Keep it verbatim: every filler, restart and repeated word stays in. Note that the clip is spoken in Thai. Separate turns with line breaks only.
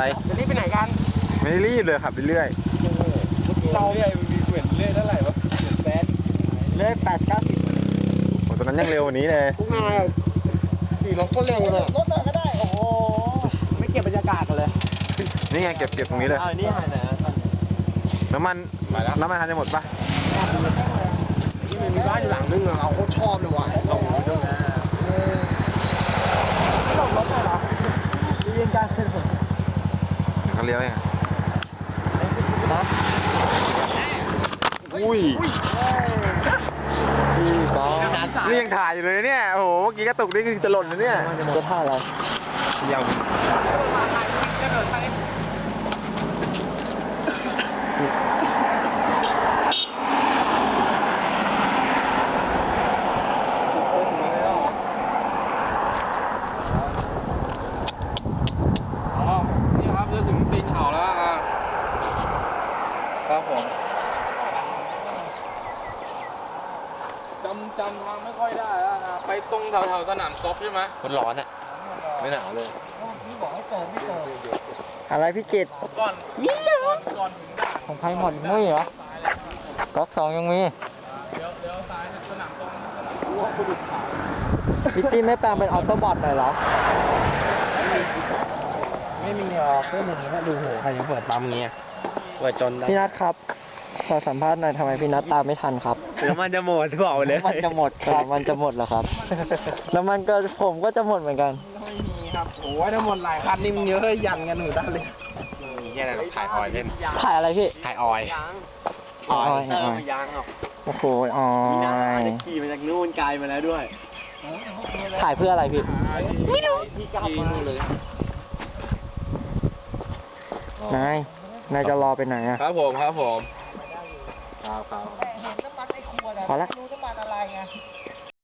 อะไร
จะรีบไปไหนกัน
ไม่ได้รีบเลยขับไปเรื่อย
เราเรื่อยมีเหมือนเรื่อยเท่าไหร่วะเหมือนแสนเรื่อยแปดเก้าสิบ
โอ้ตอนนั้นยังเร็วกว่านี้เลย
พวกนายขี่รถก็เร็วเลยรถเลยก็ได้โอ้โหไม่เก็บบรรยากาศกันเลย
นี่ไงเก็บเก็บตรงนี้เลย
นี่หายไหน
น้ำมันน้ำมันทันจะหมดปะ
ที่มันมีบ้านอยู่หลังนึงเราโคตรชอบเลยว่ะลงด้วยนะไม่ลงรถเลยเหรอเรียนการเส้นผม
เขาเลี้ยวยัง
นะ
อุ้ยพี่ก้องนี่ยังถ่ายอยู่เลยเนี่ยโอ้โหเมื่อกี้กระตุกนี่คือจะหล่นเลยเนี่ย
จะถ่ายอะไร
ยาวครับผม
จำจำทางไม่ค่อยได้แล้วนะไปตรงแถวๆสนามกอล์ฟใช่ไหม
มันร้อนอ่ะไม่หนาวเลย
พี่บอกให้เติมพี่เติมอะไรพี่จิต
ก่อนก่อนก่อนถึงด่าน
ของใครหมดมุ้ยเหรอก๊อกสองยังมี
เดี๋ยวเดี๋ยวซ้ายสนามตรงสนาม
พี่จีไม่แปลงเป็นออโต้บอทหน่อยเหรอไม่มีหรอกเพื่อนอย่างนี้ถ้าดูโหใครจะเปิดปั๊มเงี้ยเปิดจนพี่นัทครับขอสัมภาษณ์หน่อยทำไมพี่นัทตามไม่ทันครับ
น้ำมันจะหมดบอกเลย
น้ำมันจะหมดครับมันจะหมดเหรอครับน้ำมันก็ผมก็จะหมดเหมือนกัน
ไม่มีครับโอ้ยถ้าหมดหลายคันนี่มันเยอะยันกันหนูได้เลย
แค่ไหนเราถ่ายออยเล่น
ถ่ายอะไรพี่
ถ่ายออย
ออย
เติมยางหรอก
โอ้โหออย
ขี่มาจากนู่นไกลมาแล้วด้วย
ถ่ายเพื่ออะไรพี่ไม่รู้
ที่กลับมาเลย
นายนายจะรอไปไหนอ่ะ
ครับผมครับผมครับครับ
เห็นน้ำมันไอ้ขวดอะพอละรู้น้ำมันอะไรไง